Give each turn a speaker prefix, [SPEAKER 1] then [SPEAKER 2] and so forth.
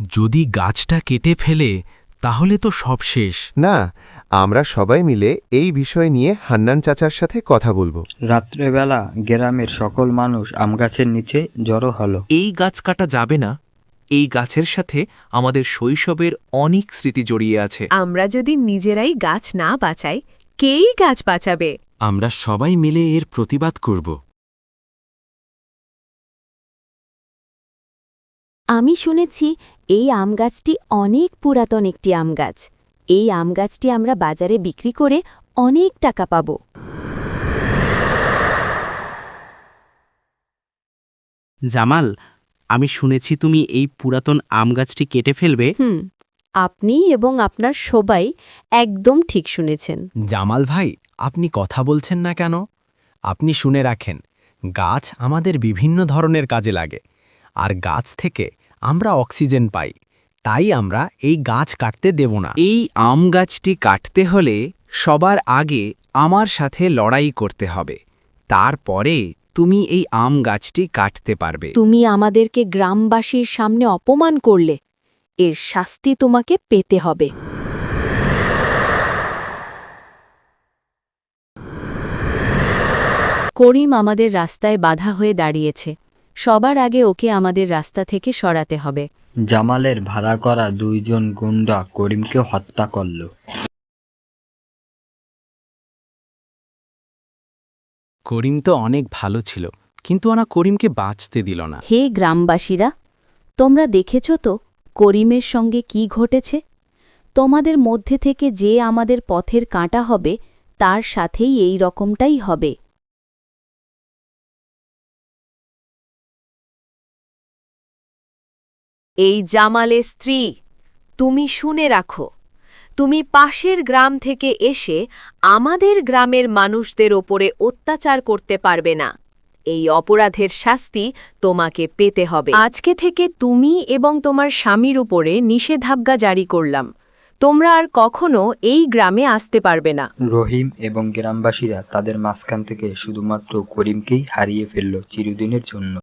[SPEAKER 1] যদি গাছটা কেটে ফেলে তাহলে তো সব শেষ।
[SPEAKER 2] না, আমরা সবাই মিলে এই বিষয় নিয়ে হান্নান চাচার সাথে কথা বলবো।
[SPEAKER 3] রাত্রেবেলা গ্রামের সকল মানুষ আমগাছের নিচে জড়ো হলো।
[SPEAKER 4] এই গাছ কাটা যাবে না। এই গাছের সাথে আমাদের শৈশবের অনেক স্মৃতি জড়িয়ে আছে।
[SPEAKER 5] আমরা যদি নিজেরাই গাছ না বাঁচাই, কেই গাছ বাঁচাবে?
[SPEAKER 1] আমরা সবাই মিলে এর প্রতিবাদ করব।
[SPEAKER 6] আমি শুনেছি এই আম গাছটি অনেক পুরাতন একটি আম গাছ। এই আম গাছটি আমরা বাজারে বিক্রি করে অনেক টাকা পাব।
[SPEAKER 7] জামাল, আমি শুনেছি তুমি এই পুরাতন আম গাছটি কেটে ফেলবে।
[SPEAKER 6] আপনি এবং আপনার সবাই একদম ঠিক শুনেছেন।
[SPEAKER 1] জামাল ভাই, আপনি কথা বলছেন না কেন? আপনি শুনে রাখেন, গাছ আমাদের বিভিন্ন ধরনের কাজে লাগে, আর গাছ থেকে আমরা অক্সিজেন পাই। তাই আমরা এই গাছ কাটতে দেব না।
[SPEAKER 4] এই আম গাছটি কাটতে হলে সবার আগে আমার সাথে লড়াই করতে হবে। তারপরে তুমি এই আম গাছটি কাটতে পারবে।
[SPEAKER 6] তুমি আমাদেরকে গ্রামবাসীর সামনে অপমান করলে, এর শাস্তি তোমাকে পেতে হবে। করিম আমাদের রাস্তায় বাধা হয়ে দাঁড়িয়েছে। সবার আগে ওকে আমাদের রাস্তা থেকে সরাতে হবে।
[SPEAKER 3] জামালের ভাড়া করা 2 জন গুন্ডা করিমকে হত্যা করল।
[SPEAKER 1] করিম তো অনেক ভালো ছিল, কিন্তু ওরা করিমকে বাঁচতে দিল না।
[SPEAKER 6] হে গ্রামবাসীরা, তোমরা দেখেছ তো করিমের সঙ্গে কি ঘটেছে? তোমাদের মধ্যে থেকে যে আমাদের পথের কাঁটা হবে, তার সাথেই এই রকমটাই হবে।
[SPEAKER 5] এই জামালের স্ত্রী, তুমি শুনে রাখো, তুমি পাশের গ্রাম থেকে এসে আমাদের গ্রামের মানুষদের ওপরে অত্যাচার করতে পারবে না। এই অপরাধের শাস্তি তোমাকে পেতে হবে। আজকে থেকে তুমি এবং তোমার স্বামীর উপরে নিষেধাজ্ঞা জারি করলাম। তোমরা আর কখনো এই গ্রামে আসতে পারবে না।
[SPEAKER 3] রহিম এবং গ্রামবাসীরা তাদের মাঝখান থেকে শুধুমাত্র করিমকেই হারিয়ে ফেলল চিরদিনের জন্য।